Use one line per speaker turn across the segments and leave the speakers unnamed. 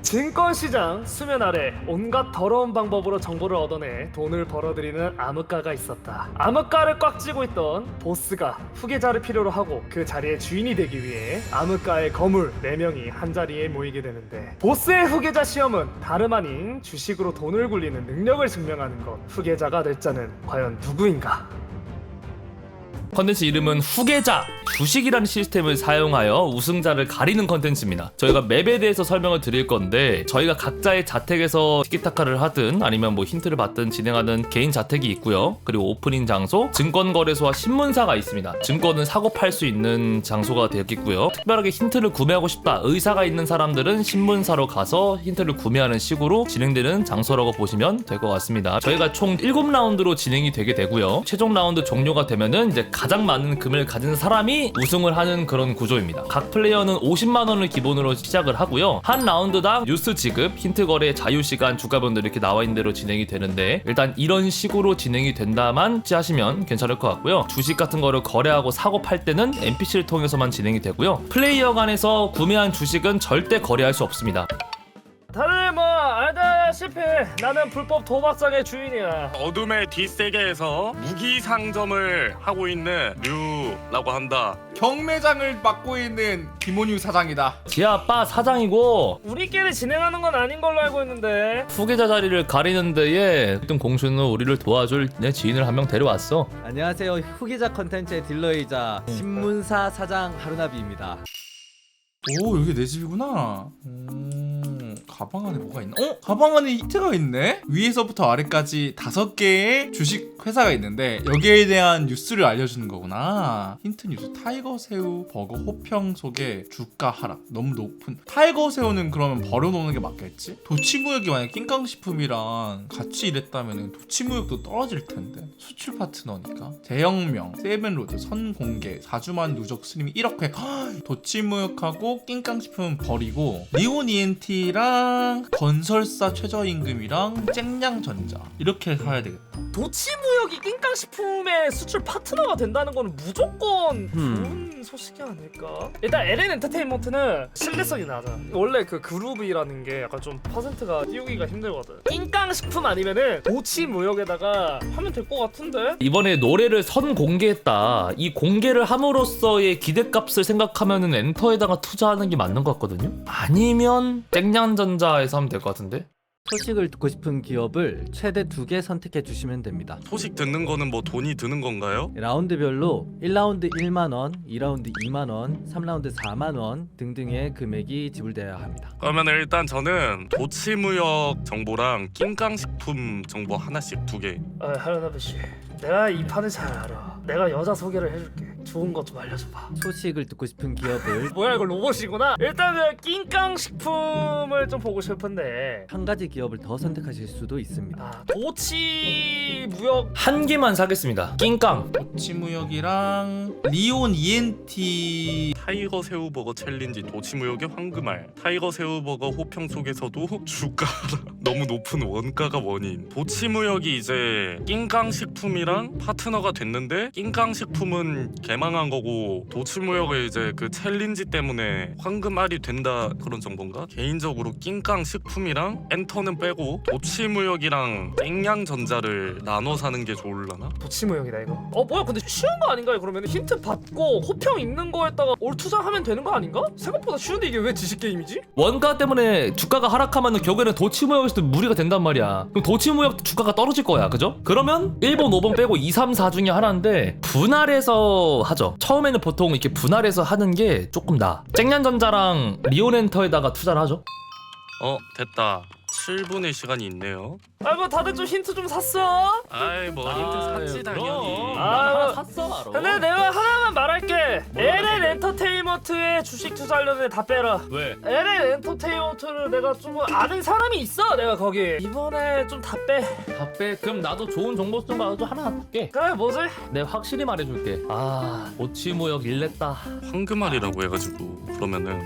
증권시장 수면 아래 온갖 더러운 방법으로 정보를 얻어내 돈을 벌어들이는 암흑가가 있었다. 암흑가를 꽉 쥐고 있던 보스가 후계자를 필요로 하고 그 자리의 주인이 되기 위해 암흑가의 거물 4명이 한자리에 모이게 되는데, 보스의 후계자 시험은 다름 아닌 주식으로 돈을 굴리는 능력을 증명하는 것. 후계자가 될 자는 과연 누구인가?
컨텐츠 이름은 후계자 주식이라는 시스템을 사용하여 우승자를 가리는 컨텐츠입니다. 저희가 맵에 대해서 설명을 드릴 건데, 저희가 각자의 자택에서 티키타카를 하든 아니면 뭐 힌트를 받든 진행하는 개인 자택이 있고요. 그리고 오프닝 장소, 증권거래소와 신문사가 있습니다. 증권은 사고 팔 수 있는 장소가 되겠고요. 특별하게 힌트를 구매하고 싶다 의사가 있는 사람들은 신문사로 가서 힌트를 구매하는 식으로 진행되는 장소라고 보시면 될 것 같습니다. 저희가 총 7라운드로 진행이 되게 되고요. 최종 라운드 종료가 되면은 이제 가장 많은 금을 가진 사람이 우승을 하는 그런 구조입니다. 각 플레이어는 50만원을 기본으로 시작을 하고요. 한 라운드당 뉴스 지급, 힌트 거래, 자유시간, 주가변도 이렇게 나와 있는 대로 진행이 되는데, 일단 이런 식으로 진행이 된다만 하시면 괜찮을 것 같고요. 주식 같은 거를 거래하고 사고 팔 때는 NPC를 통해서만 진행이 되고요. 플레이어 간에서 구매한 주식은 절대 거래할 수 없습니다.
다들 뭐 알다시피 나는 불법 도박장의 주인이야.
어둠의 뒷세계에서 무기 상점을 하고 있는 류라고 한다.
경매장을 맡고 있는 김원유 사장이다.
지아빠 사장이고,
우리끼리 진행하는 건 아닌 걸로 알고 있는데.
후계자 자리를 가리는 데에 1등 공수는 우리를 도와줄 내 지인을 한 명 데려왔어.
안녕하세요. 후기자 컨텐츠의 딜러이자 신문사 사장 하루나비입니다.
오, 여기 내 집이구나. 가방 안에 뭐가 있나? 가방 안에 힌트가 있네? 위에서부터 아래까지 5개의 주식 회사가 있는데 여기에 대한 뉴스를 알려주는 거구나. 힌트 뉴스. 타이거 새우 버거 호평 속에 주가 하락 너무 높은. 타이거 새우는 그러면 버려놓는 게 맞겠지? 도치무역이 만약 낑깡식품이랑 같이 일했다면 도치무역도 떨어질 텐데. 수출 파트너니까. 대형명 세븐로드 선공개 4주만 누적 스님이 1억 회. 도치무역하고 낑깡식품은 버리고 리온 ENT랑 건설사 최저임금이랑 쨍냥전자 이렇게 사야 되겠다.
도치무역이 낑깡식품의 수출 파트너가 된다는 건 무조건 좋은 소식이 아닐까? 일단 LN 엔터테인먼트는 신뢰성이 낮아. 원래 그 그룹이라는 게 약간 좀 퍼센트가 띄우기가 힘들거든. 낑깡식품 아니면은 도치무역에다가 하면 될 것 같은데?
이번에 노래를 선 공개했다. 이 공개를 함으로써의 기대값을 생각하면은 엔터에다가 투자하는 게 맞는 것 같거든요. 아니면 땡냥전자에서 하면 될 것 같은데.
소식을 듣고 싶은 기업을 최대 2개 선택해 주시면 됩니다.
소식 듣는 거는 뭐 돈이 드는 건가요?
라운드별로 1라운드 1만원, 2라운드 2만원, 3라운드 4만원 등등의 금액이 지불되어야 합니다.
그러면 일단 저는 도치무역 정보랑 낑깡식품 정보 하나씩 2개.
하루나비 씨, 내가 이 판을 잘 알아. 내가 여자 소개를 해줄게. 좋은 것 좀 알려줘봐.
소식을 듣고 싶은 기업을
뭐야, 이거 로봇이구나. 일단은 낑깡식품을 좀 보고 싶은데.
한 가지 기업을 더 선택하실 수도 있습니다.
도치무역
한 개만 사겠습니다. 낑깡.
도치무역이랑 리온 ENT
타이거 새우버거 챌린지 도치무역의 황금알. 타이거 새우버거 호평 속에서도 주가 너무 높은 원가가 원인. 도치무역이 이제 낑깡식품이랑 파트너가 됐는데, 낑깡식품은 개망한 거고 도치무역은 이제 그 챌린지 때문에 황금알이 된다, 그런 정보인가? 개인적으로 낑깡식품이랑 엔터는 빼고 도치무역이랑 땡냥전자를 나눠 사는 게 좋을라나?
도치무역이다 이거. 뭐야, 근데 쉬운 거 아닌가? 그러면 힌트 받고 호평 있는 거에다가 올 투자하면 되는 거 아닌가? 생각보다 쉬운데 이게 왜 지식 게임이지?
원가 때문에 주가가 하락하면 결국에는 도치무역에서도 무리가 된단 말이야. 그럼 도치무역 주가가 떨어질 거야, 그죠? 그러면 1번, 5번 빼고 2, 3, 4 중에 하나인데 분할해서 하죠. 처음에는 보통 이렇게 분할해서 하는 게 조금 나아. 쨍냥전자랑 리온엔터에다가 투자를 하죠.
됐다. 7분의 시간이 있네요.
뭐 다들 좀 힌트 좀 샀어?
아이 뭐 힌트 샀지 당연히.
하나 샀어 바로.
근데 내가 하나만 말할게. LN 엔터테인먼트의 주식 투자하려는 애 다 빼라.
왜?
LN 엔터테인먼트를 내가 좀 아는 사람이 있어. 내가 거기 이번에 좀 다 빼.
다 빼. 그럼 나도 좋은 정보 좀 받아도 하나 줄게.
그래, 뭐지?
내가 확실히 말해줄게. 도치무역 일냈다.
황금알이라고 해가지고 그러면은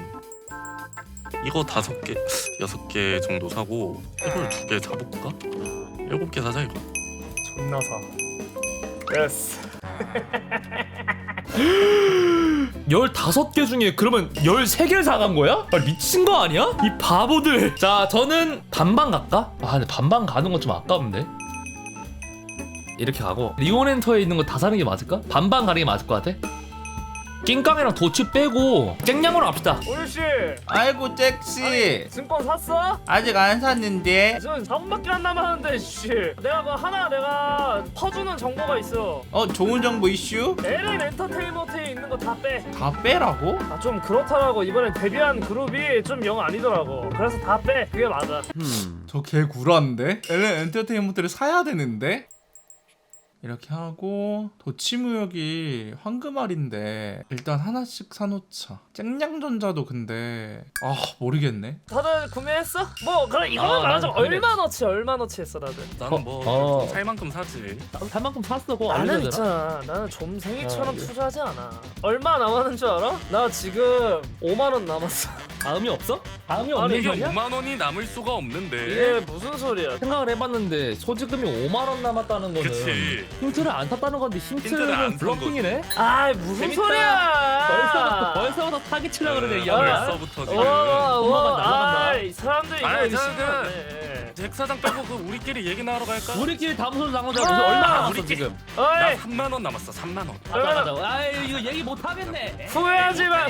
이거 5개, 6개 정도 사고 이걸 2개 사볼까? 7개 사자 이거.
존나 사. 됐어.
15개 중에 그러면 13개를 사간 거야? 아, 미친 거 아니야? 이 바보들. 자, 저는 반반 갈까? 아, 근데 반반 가는 건 좀 아까운데. 이렇게 가고 리온엔터에 있는 거 다 사는 게 맞을까? 반반 가는 게 맞을 것 같아? 낑깡이랑 도치 빼고 쨍냥으로 갑시다.
오유씨
아이고 잭씨
증권 샀어?
아직 안 샀는데.
지금 4분밖에 안 남았는데 씨 내가 그 하나 내가 퍼주는 정보가 있어.
좋은 정보 이슈?
LN 엔터테인먼트에 있는 거 다 빼.
다 빼라고?
아 좀 그렇더라고. 이번에 데뷔한 그룹이 좀 영 아니더라고. 그래서 다 빼. 그게 맞아.
저 개 구라인데? LN 엔터테인먼트를 사야 되는데? 이렇게 하고 도치무역이 황금알인데 일단 하나씩 사놓자. 쨍냥전자도 근데 모르겠네.
다들 구매했어? 뭐 그래 이거만 말하자면 얼마너치 했어 다들.
나는 뭐 살 만큼 사지.
살 만큼 샀어. 그거
나는
알려줘라.
있잖아. 나는 좀생이처럼
아,
투자하지 않아. 얼마 남았는 줄 알아? 나 지금 5만 원 남았어.
다음이 없어? 다음이
아니,
없는
이게
소리야?
5만 원이 남을 수가 없는데.
이게 무슨 소리야?
생각을 해봤는데 소지금이 5만 원 남았다는 거는
그치.
힌트를 안 탔다는 건데
힌트를 안
힌트는
산
블러핑이네?
아이 무슨
재밌다.
소리야?
벌써부터 사기치려고 그러네 이
네,
양반.
벌써부터 지금.
날라간다.
아이 사람들 이거
아이,
의심하네.
잭 사장 빼고 그 우리끼리 얘기 나누러 갈까?
우리끼리 담소를 나누자.
아,
얼마 남았어
우리끼리.
지금?
나
어이
3만 원 남았어. 3만 원.
가자. 아이 이거 얘기 못 하겠네.
후회하지 마.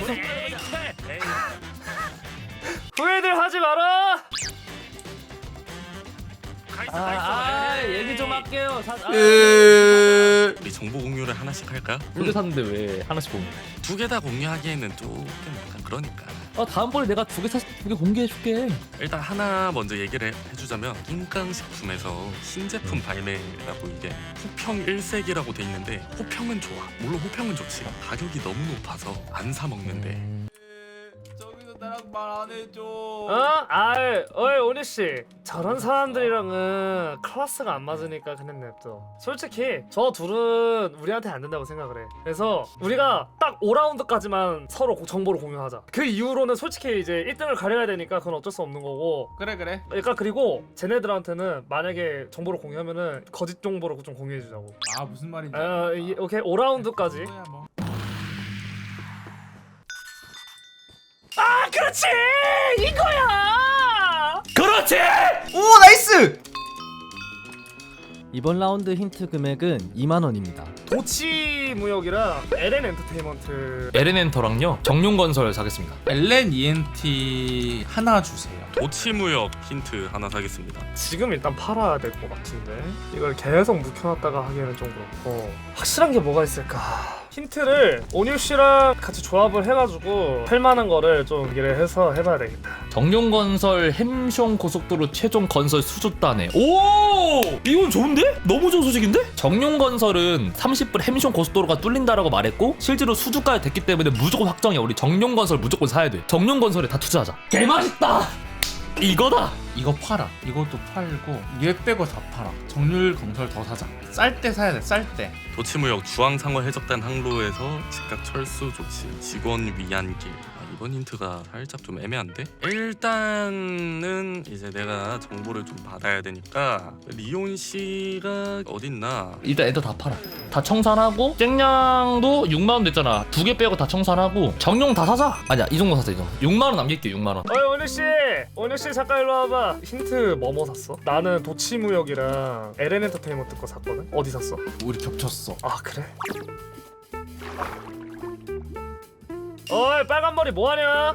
후회들 하지 마라.
얘기 좀 할게요.
우리 정보 공유를 하나씩 할까?
두개 샀는데 왜 하나씩 공유?
2개 다 공유하기에는 조금 약간 그러니까.
다음번에 내가 2개 샀을 때 2개 공개해줄게.
일단 하나 먼저 얘기를 해주자면 낑깡식품에서 신제품 발매라고 이게 호평 1색이라고 돼 있는데 호평은 좋아. 물론 호평은 좋지. 가격이 너무 높아서 안 사 먹는데.
저기서 나랑 말 안 해줘.
어이 오니 씨, 저런 사람들이랑은 클래스가 안 맞으니까 그냥 냅둬. 솔직히 저 둘은 우리한테 안 된다고 생각을 해. 그래서 우리가 딱 5라운드까지만 서로 정보를 공유하자. 그 이후로는 솔직히 이제 1등을 가려야 되니까 그건 어쩔 수 없는 거고.
그래.
그러니까 그리고 쟤네들한테는 만약에 정보를 공유하면은 거짓 정보를 좀 공유해주자고.
무슨 말인지.
오케이 5라운드까지.
뭐야, 뭐.
그렇지 이거야.
그렇지.
오 나이스.
이번 라운드 힌트 금액은 2만 원입니다.
도치 무역이랑 LN 엔터테인먼트.
에렌엔터랑요 정용건설 사겠습니다.
LN ENT 하나 주세요.
도치무역 힌트 하나 사겠습니다.
지금 일단 팔아야 될 것 같은데 이걸 계속 묵혀놨다가 하기에는 좀 그렇고. 확실한 게 뭐가 있을까? 힌트를 오뉴 씨랑 같이 조합을 해가지고 할만한 거를 좀 얘기를 해서 해봐야 되겠다.
정용건설 햄숑 고속도로 최종 건설 수주단에. 오! 이건 좋은데? 너무 좋은 소식인데? 정용건설은 30분 햄숑 고속도로가 뚫린다라고 말했고 실제로 수주까지 됐기 때문에 무조건 확정이야. 우리 정용건설 무조건 사야 돼. 정용건설에 다 투자하자. 개맛있다! 이거다!
이거 팔아. 이것도 팔고 얘 빼고 다 팔아. 정률 건설 더 사자. 쌀 때 사야 돼. 쌀 때.
도치무역 주황상어 해적단 항로에서 즉각 철수 조치 직원 위안길. 이번 힌트가 살짝 좀 애매한데? 일단은 이제 내가 정보를 좀 받아야 되니까 리온 씨가 어딨나?
일단 애들 다 팔아. 다 청산하고 쨍냥도 6만 원 됐잖아. 2개 빼고 다 청산하고 정용 다 사자. 아니야 이 정도 사자. 이 정도. 6만 원 남길게. 6만 원.
어이 오뉴 씨 잠깐 일로 와봐. 힌트 뭐뭐 샀어? 나는 도치 무역이랑 LN 엔터테인먼트 거 샀거든. 어디 샀어?
우리 겹쳤어.
아 그래? 어이 빨간 머리 뭐하냐?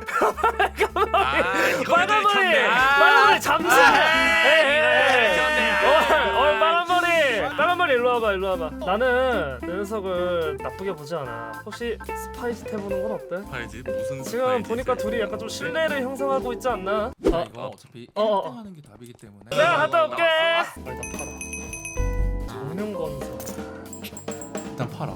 빨간 머리 잠시. 어이 빨간 머리 일로 와봐. 나는 내 녀석을 나쁘게 보지 않아. 혹시 스파이스 해보는 건 어때?
스파이지? 무슨
지금
스파이지?
보니까 둘이 약간 좀 신뢰를 형성하고 있지 않나?
이거 어차피 1등 하는 게 답이기 때문에.
내가 갔다 올게. 일단 팔아. 정명건설.
일단 팔아.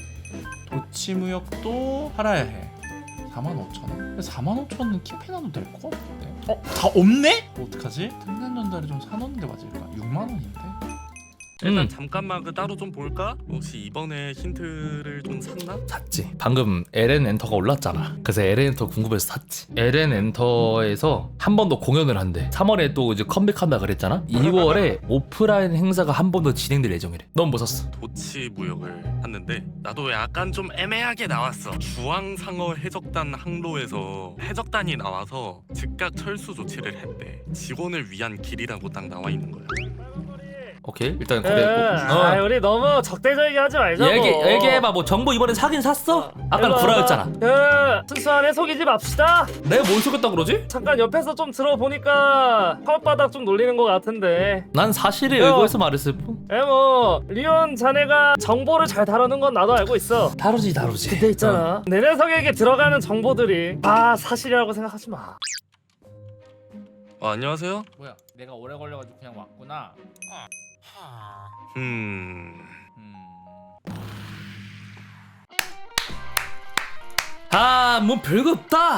도치무역도 팔아야 해. 45,000원? 45,000원은 키패나도 될 것 같은데. 다 없네? 뭐 어떡하지? 등산전자를 좀 사놓는데 맞을까? 6만 원인데?
일단 잠깐만 그 따로 좀 볼까? 혹시 이번에 힌트를 좀 샀나?
샀지. 방금 LN 엔터가 올랐잖아. 그래서 LN 엔터 궁금해서 샀지. LN 엔터에서 한 번 더 공연을 한대. 3월에 또 이제 컴백한다 그랬잖아. 2월에 오프라인 행사가 한 번 더 진행될 예정이래. 넌 뭐 샀어?
도치무역을 샀는데 나도 약간 좀 애매하게 나왔어. 주황상어 해적단 항로에서 해적단이 나와서 즉각 철수 조치를 했대. 직원을 위한 길이라고 딱 나와 있는 거야.
오케이 일단
그,
그래.
우리 너무 적대적이게 하지 말자고.
얘기해봐. 뭐 정보 이번에 사긴 샀어? 아까
일로
구라였잖아.
와봐. 순수한 해석이지 맙시다.
내가 뭘 속였다 그러지?
잠깐 옆에서 좀 들어보니까 혓바닥 좀 놀리는 것 같은데.
난 사실에 의거해서 말했을 뿐.
리온 자네가 정보를 잘 다루는 건 나도 알고 있어.
다르지.
근데 있잖아, 내 녀석에게 들어가는 정보들이 다 사실이라고 생각하지 마.
안녕하세요.
뭐야? 내가 오래 걸려가지고 그냥 왔구나.
뭐 별거 없다.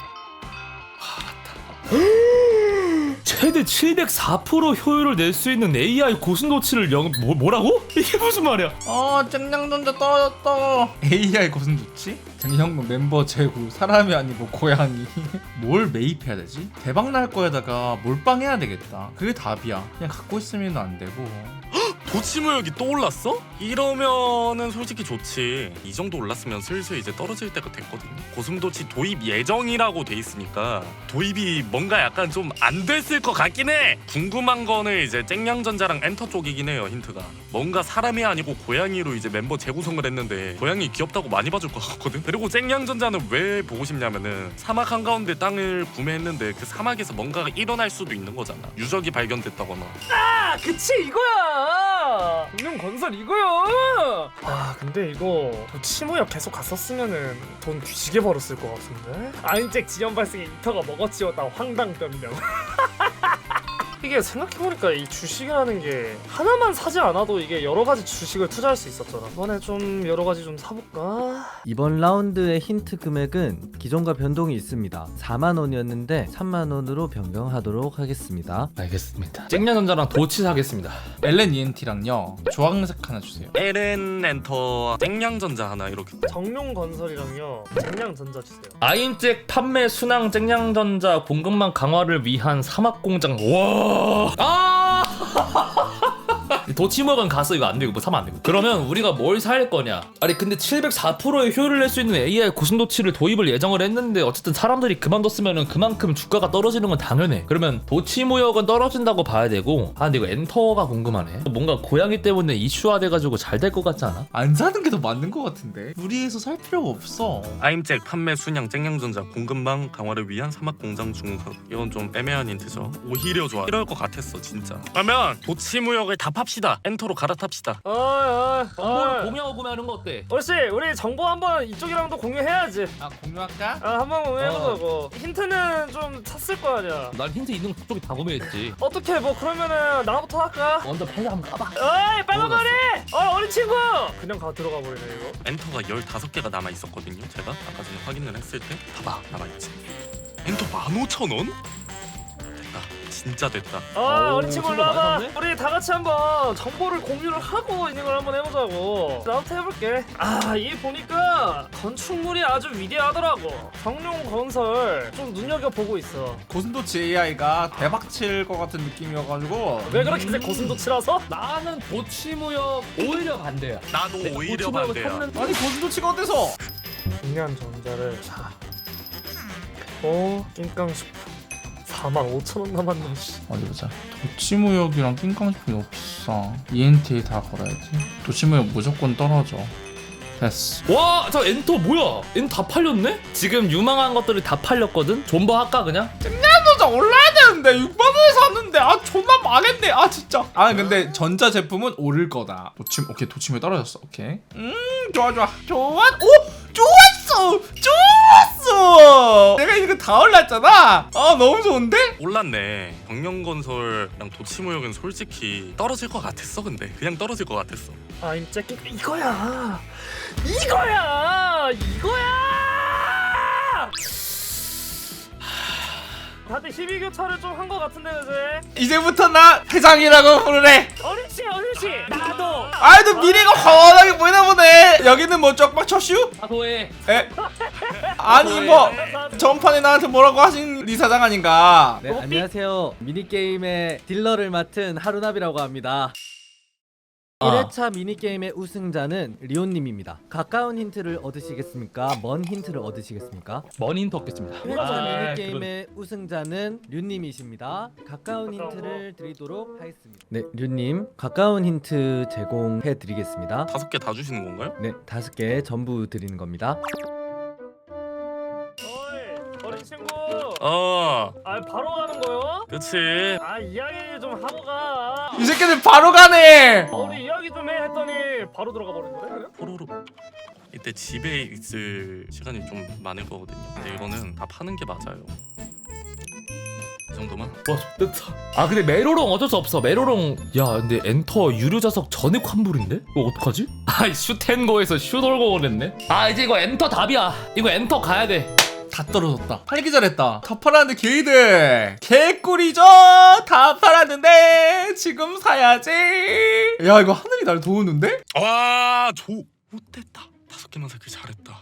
최대 704% 효율을 낼 수 있는 AI 고순도치를 뭐라고? 이게 무슨 말이야?
쨍냥전자 떨어졌다. AI 것은 좋지? 쨍냥도 멤버 제구 사람이 아니고 고양이. 뭘 매입해야 되지? 대박 날 거에다가 몰빵해야 되겠다. 그게 답이야. 그냥 갖고 있으면 안 되고.
도치무역이 또 올랐어? 이러면은 솔직히 좋지. 이 정도 올랐으면 슬슬 이제 떨어질 때가 됐거든요. 고슴도치 도입 예정이라고 돼 있으니까 도입이 뭔가 약간 좀 안 됐을 것 같긴 해. 궁금한 거는 이제 쨍냥전자랑 엔터 쪽이긴 해요. 힌트가 뭔가 사람이 아니고 고양이로 이제 멤버 재구성을 했는데 고양이 귀엽다고 많이 봐줄 것 같거든. 그리고 쨍냥전자는 왜 보고 싶냐면은 사막 한가운데 땅을 구매했는데 그 사막에서 뭔가가 일어날 수도 있는 거잖아. 유적이 발견됐다거나.
아, 그치 이거야. 분명 건설 이거야. 근데 이거 도치무역 계속 갔었으면은 돈 뒤지게 벌었을 것 같은데. 아인잭 지연 발생에 이터가 먹어치웠다 황당변명. 이게 생각해보니까 이 주식이라는 게 하나만 사지 않아도 이게 여러 가지 주식을 투자할 수 있었잖아. 이번에 좀 여러 가지 좀 사볼까?
이번 라운드의 힌트 금액은 기존과 변동이 있습니다. 4만 원이었는데 3만 원으로 변경하도록 하겠습니다.
알겠습니다. 쨍냥전자랑 도치 사겠습니다.
LNENT랑요 주황색 하나 주세요.
LN 엔터 쨍냥전자 하나 이렇게.
정룡건설이랑요 쟁량전자 주세요.
아인잭 판매 순항 쨍냥전자 공급망 강화를 위한 사막공장. 와. 도치무역은 갔어. 이거 안 되고 뭐 사면 안 되고. 그러면 우리가 뭘 살 거냐? 아니 근데 704%의 효율을 낼 수 있는 AI 고순도치를 도입을 예정을 했는데 어쨌든 사람들이 그만뒀으면은 그만큼 주가가 떨어지는 건 당연해. 그러면 도치무역은 떨어진다고 봐야 되고. 근데 이거 엔터가 궁금하네. 뭔가 고양이 때문에 이슈화 돼가지고 잘 될 것 같지 않아?
안 사는 게 더 맞는 것 같은데. 무리해서 살 필요가 없어.
아임잭 판매 순양 쨍냥전자 공급망 강화를 위한 사막공장 중공사. 이건 좀 애매한 힌트죠. 오히려 좋아. 이럴 것 같았어 진짜. 그러면 도치무역을 다 팝시다. 엔터로 갈아탑시다.
정보를 공유하고 구매하는 거 어때?
옳지. 우리 정보 한번 이쪽이랑도 공유해야지.
공유할까?
한번 공유해보자고. 힌트는 좀 찼을 거 아니야.
난 힌트 있는 쪽이 다 구매했지.
어떻게 뭐 그러면은 나부터 할까?
먼저 패자 한번 까봐.
어이 빨간머리! 어린 친구! 그냥 들어가 버리네 이거.
엔터가 15개가 남아 있었거든요. 제가 아까 전에 확인을 했을 때 봐봐 남아있지. 엔터 15,000원? 됐다. 진짜 됐다.
어린 친구
친구 많이
올라와봐.
샀네?
우리 다 같이 한번 정보를 공유를 하고 있는 걸 한번 해보자고. 나부터 해볼게. 이 보니까 건축물이 아주 위대하더라고. 정룡건설 좀 눈여겨보고 있어.
고슴도치 AI가 대박칠 것 같은 느낌이어가지고.
왜 그렇게 고슴도치라서?
나는 도치무역 오히려 반대야.
나도 오히려 반대야.
아니 고슴도치가 어때서?
중요한 전자를 사. 낑깡식품 45,000원 남았네. 씨.
어디 보자. 도치무역이랑 낑깡식품이 너무 비싸. ENT에 다 걸어야지. 도치무역 무조건 떨어져. 됐어.
와, 저 엔터 뭐야? 엔터 다 팔렸네? 지금 유망한 것들이 다 팔렸거든? 존버 할까 그냥?
전자 올라야 되는데 6만 원에 샀는데 존나 망했네. 진짜. 근데 전자 제품은 오를 거다. 오케이 도치무역 떨어졌어. 오케이. 좋아. 좋았어. 내가 이거 다 올랐잖아. 너무 좋은데?
올랐네. 경영건설이랑 도치무역은 솔직히 떨어질 것 같았어. 근데 그냥 떨어질 것 같았어.
아임잭 이거야. 다들 12교차를 좀 한 것 같은데 그제?
이제부터 나 회장이라고 부르래.
어린씨 나
아이 너 미래가 훤하게 보이나 보네. 여기는 뭐 쪽박 쳐슈?
사소해.
에? 아니 뭐 전판에 나한테 뭐라고 하신 리 사장 아닌가?
네, 안녕하세요. 미니게임의 딜러를 맡은 하루나비라고 합니다. 1회차 미니게임의 우승자는 리온님입니다. 가까운 힌트를 얻으시겠습니까? 먼 힌트를 얻으시겠습니까?
먼 힌트 얻겠습니다.
1회차 미니게임의 우승자는 류님이십니다. 가까운 힌트를 드리도록 하겠습니다. 네, 류님 가까운 힌트 제공해 드리겠습니다.
5개 다 주시는 건가요?
네, 5개 전부 드리는 겁니다.
어이 어린 친구. 아 바로 가는 거요?
그치.
아 이야기 좀 하고 가.
이 새끼들 바로 가네.
우리 이야기 좀 해 했더니 바로 들어가 버리는데.
포로로. 이때 집에 있을 시간이 좀 많을 거거든요. 근데 이거는 다 파는 게 맞아요. 이 정도만?
와 좋겠다. 아 근데 메로롱 어쩔 수 없어. 메로롱. 야 근데 엔터 유료 자석 전액 환불인데? 이거 어떡하지? 아 슈텐고에서 슈돌고 그랬네. 아 이제 이거 엔터 답이야. 이거 엔터 가야 돼.
다 떨어졌다. 팔기 잘했다. 다 팔았는데 게이들 개꿀이죠. 다 팔았는데 지금 사야지. 야 이거 하늘이 날 도우는데?
와, 못됐다. 5개만 사길 잘했다.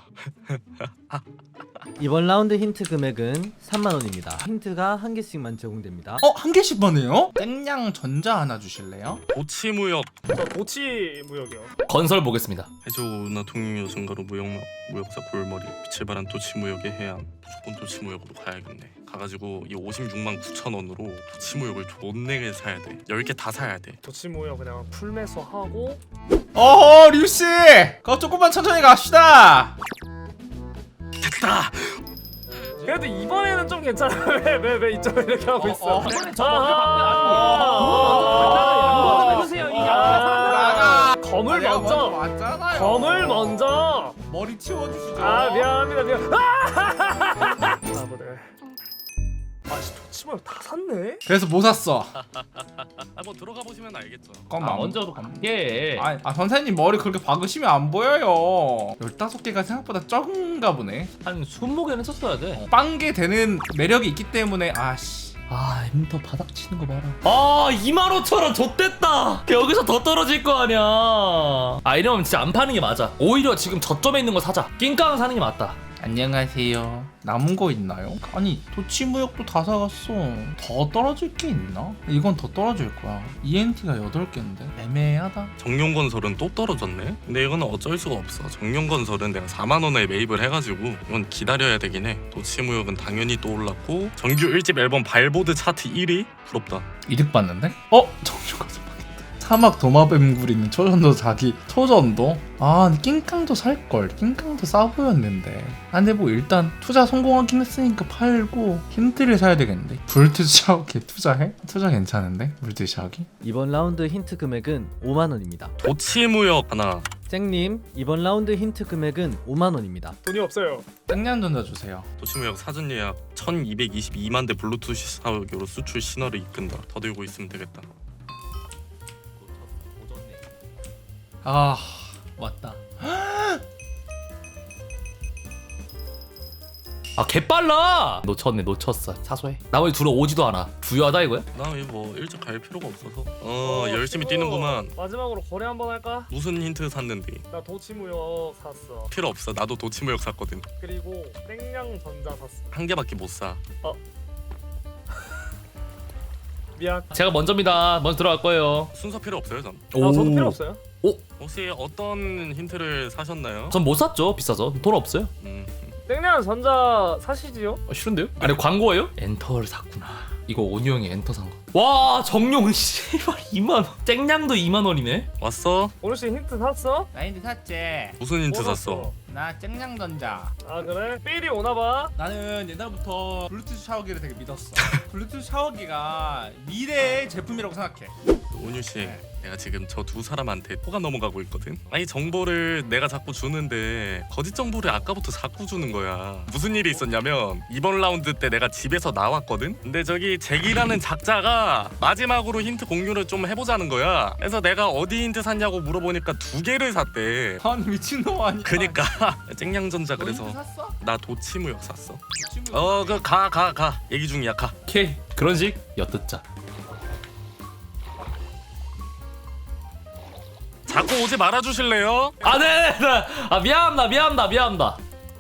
이번 라운드 힌트 금액은 3만원입니다. 힌트가 한 개씩만 제공됩니다.
한 개씩만 해요? 땡냥 전자 하나 주실래요?
도치무역
저 도치 무역이요.
건설 보겠습니다.
해조나 통영여순가로 무역사 골머리 빛을 발한 도치무역의 해안. 무조건 도치무역으로 가야겠네. 가가지고 이 56만 9천 원으로 도치무역을 존내게 사야 돼. 10개 다 사야 돼.
도치 무역 그냥 풀매수하고.
어허 류씨 그거 조금만 천천히 갑시다.
됐다.
그래도 이번에는 좀 괜찮아. 왜 이쪽에 이렇게 하고 있어?
이번엔 저
해보세요.
나가.
검을 먼저.
맞잖아요.
검을 먼저.
머리 치워주시죠.
아 미안합니다. 아 보네. 아씨 도치무역 다 샀네.
그래서 뭐 샀어?
뭐 들어가 보시면 알겠죠.
잠깐만.
먼저도 갈게.
선생님 머리 그렇게 박으시면 안 보여요. 15개가 생각보다 적은가 보네.
한 20개는 썼어야 돼.
빵게 되는 매력이 있기 때문에 아씨.
아 엔터 바닥 치는 거 봐라. 아 25,000원 좆됐다. 여기서 더 떨어질 거 아니야. 아 이러면 진짜 안 파는 게 맞아. 오히려 지금 저점에 있는 거 사자. 낑깡 사는 게 맞다.
안녕하세요. 남은 거 있나요? 아니 도치무역도 다 사갔어. 더 떨어질 게 있나? 이건 더 떨어질 거야. ENT가 8개인데 애매하다.
정용건설은 또 떨어졌네. 근데 이거는 어쩔 수가 없어. 정용건설은 내가 4만 원에 매입을 해가지고 이건 기다려야 되긴 해. 도치무역은 당연히 또 올랐고 정규 1집 앨범 발보드 차트 1위? 부럽다.
이득 봤는데? 정주가서 사막 도마뱀굴 있는 초전도 자기 초전도? 근데 낑깡도 살걸. 낑깡도 싸 보였는데. 근데 뭐 일단 투자 성공하긴 했으니까 팔고 힌트를 사야 되겠는데. 불트 샤워기 투자해? 투자 괜찮은데? 불트 샤워기?
이번 라운드 힌트 금액은 5만원입니다.
도치무역 하나.
쨍님, 이번 라운드 힌트 금액은 5만원입니다.
돈이 없어요.
땡냥 전자 주세요.
도치무역 사전 예약 1222만 대 블루투스 사격으로 수출 신화를 이끈다. 더 들고 있으면 되겠다.
맞다.
아 개빨라. 놓쳤어. 사소해. 나머지 둘은 오지도 않아. 부유하다 이거야?
나 뭐 일찍 갈 필요가 없어서 열심히 뛰는구만.
마지막으로 거래 한번 할까?
무슨 힌트 샀는데?
나 도치무역 샀어.
필요 없어. 나도 도치무역 샀거든.
그리고 땡냥 전자 샀어.
한 개밖에 못 사.
미안.
제가 먼저입니다. 먼저 들어갈 거예요.
순서 필요 없어요, 전.
저도 필요 없어요.
혹시 어떤 힌트를 사셨나요?
전 못 샀죠. 비싸서. 돈 없어요.
땡냥 전자 사시지요?
싫은데요? 아니 광고예요? 엔터를 샀구나. 이거 온유 형이 엔터 산 거. 와 정룡 씨발 2만 원. 쨍냥도 2만 원이네.
왔어?
오늘 씨 힌트 샀어?
나 힌트 샀지.
무슨 힌트
뭐
샀어?
나 땡냥 전자.
아 그래? 삘이 오나봐.
나는 옛날부터 블루투스 샤워기를 되게 믿었어. 블루투스 샤워기가 미래의 제품이라고 생각해.
온유 씨, 내가 지금 저 두 사람한테 코가 넘어가고 있거든. 아니 정보를 내가 자꾸 주는데 거짓 정보를 아까부터 자꾸 주는 거야. 무슨 일이 있었냐면 이번 라운드 때 내가 집에서 나왔거든. 근데 저기 잭이라는 작자가 마지막으로 힌트 공유를 좀 해보자는 거야. 그래서 내가 어디 힌트 샀냐고 물어보니까 2개를 샀대.
아니 미친놈 아니야.
그니까 쨍냥전자
너
그래서
힌트 샀어?
나 도치무역 샀어.
도치무역.
그 가 얘기 중이야 가.
오케이 그런 식 엿듣자.
자꾸 오지 말아주실래요?
아, 네. 아, 미안합니다.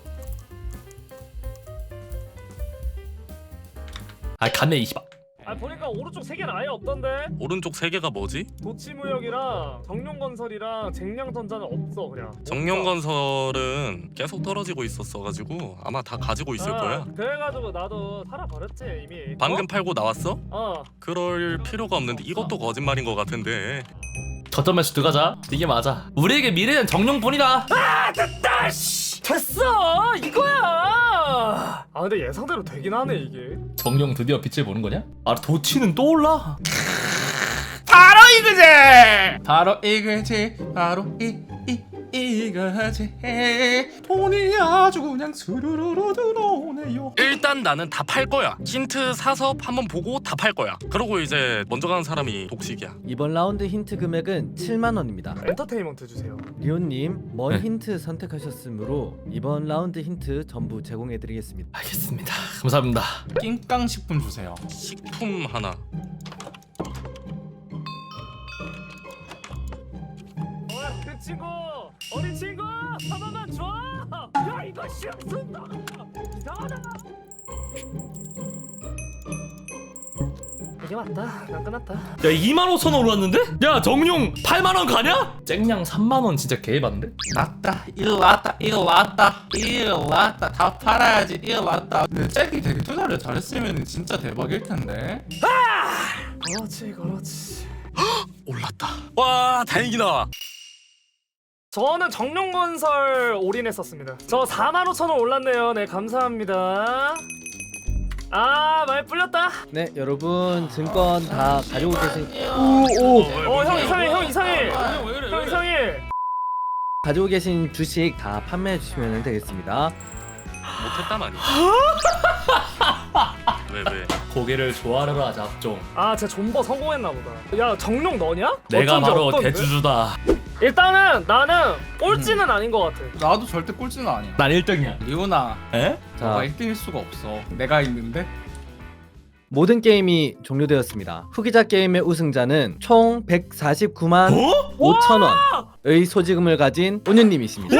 아, 갔네 20.
아 보니까 오른쪽 3개는 아예 없던데.
오른쪽 3개가 뭐지?
도치무역이랑 정룡건설이랑 쟁량전자는 없어 그냥.
정령건설은 계속 떨어지고 있었어가지고 아마 다 가지고 있을 거야.
그래가지고 나도 팔아버렸지 이미.
방금 팔고 나왔어?
어?
그럴 필요가 없는데 이것도 거짓말인 것 같은데.
저점에서 들어가자. 이게 맞아. 우리에게 미래는 정령뿐이다.
됐다 씨. 됐어 이거야. 아 근데 예상대로 되긴 하네 이게.
정령 드디어 빛을 보는 거냐? 아, 도치는 또 올라.
바로 이거지. 이거지. 돈이 아주 그냥 스르르르 들어오네요.
일단 나는 다 팔 거야. 힌트 사서 한번 보고 다 팔 거야. 그러고 이제 먼저 가는 사람이 독식이야.
이번 라운드 힌트 금액은 7만 원입니다.
엔터테인먼트 주세요.
리온님 먼
네.
힌트 선택하셨으므로 이번 라운드 힌트 전부 제공해드리겠습니다.
알겠습니다. 감사합니다.
낑깡식품 주세요.
식품 하나.
그 친구 어린 친구 한 번만 줘. 야 이거 시험 쓴다. 이상하다. 이게 맞다. 난 끝났다.
야, 25,000원 올랐는데? 야, 정령 8만원 가냐? 쨍냥 3만원 진짜 개해봤는데?
맞다. 이거 왔다. 다 팔아야지. 이거 왔다. 근데 잭이 되게 투자를 잘했으면 진짜 대박일 텐데.
그렇지.
올랐다. 와 다행이다.
저는 정룡건설 올인했었습니다. 저 45,000원 올랐네요. 네 감사합니다. 아 많이 불렸다.
네 여러분 증권 다 가지고 계신
형 이상해. 형 이상해.
가지고 계신 주식 다 판매해 주시면 되겠습니다.
못했단 말이야. 왜?
고개를 조아려라 잡종.
아 진짜 존버 성공했나 보다. 야 정룡 너냐?
내가
어쩐지
바로
없던데?
대주주다.
일단은 나는 꼴찌는 아닌 것 같아.
나도 절대 꼴찌는 아니야.
난 1등이야.
리오나,
에?
너가
자
1등일 수가 없어. 내가 있는데.
모든 게임이 종료되었습니다. 후기자 게임의 우승자는 총 149만 5천 원의 소지금을 가진 온유님이십니다.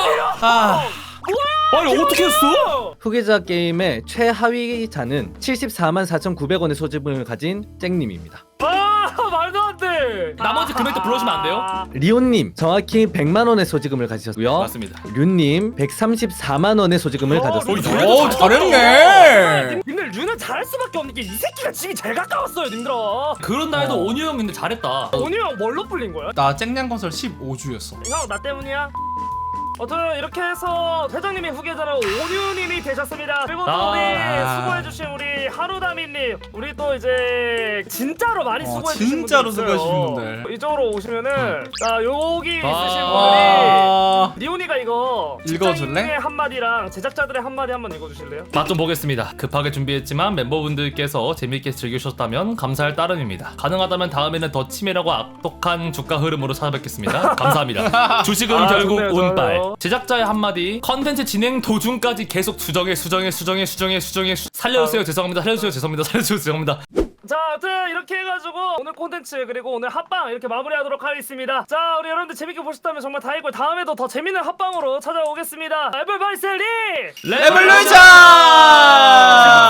아니 어떻게 했어?
후기자 게임의 최하위자는 74만 4,900원의 소지금을 가진 쨍님입니다.
아 말도 안 돼.
나머지 금액도 불러주면 안 돼요?
리온님 정확히 100만 원의 소지금을 가지셨고요.
맞습니다.
류님 134만 원의 소지금을 가졌습니다.
오 잘했네.
님들 류는 잘할 수밖에 없는 게 이 새끼가 집이 제일 가까웠어요 님들아.
그런다 해도 온유 형 근데 잘했다.
온유 형 뭘로 불린 거야?
나 쨍냥건설 15주였어.
형 나 때문이야? 이렇게 해서 회장님이 후계자로 온유님이 되셨습니다. 그리고 또 우리 수고해주신 우리 하루다미님, 우리 또 이제 진짜로 많이 수고해주신
진짜로
분들 있어요.
수고해주신 분들.
이쪽으로 오시면은 자 여기 있으신 분들이
아,
리온이가 이거
읽어줄래?
직장인의 한마디랑 제작자들의 한마디 한번 읽어주실래요?
맛 좀 보겠습니다. 급하게 준비했지만 멤버분들께서 재밌게 즐기셨다면 감사할 따름입니다. 가능하다면 다음에는 더 치밀하고 악독한 주가 흐름으로 찾아뵙겠습니다. 감사합니다. 주식은
아,
결국
좋네요,
운빨.
좋아요.
제작자의 한마디. 컨텐츠 진행 도중까지 계속 수정해. 살려주세요. 죄송합니다.
자, 아무튼 이렇게 해가지고 오늘 콘텐츠 그리고 오늘 합방 이렇게 마무리하도록 하겠습니다. 자, 우리 여러분들 재밌게 보셨다면 정말 다행이고 다음에도 더 재밌는 합방으로 찾아오겠습니다. 에블바리 셀리!
레볼루션!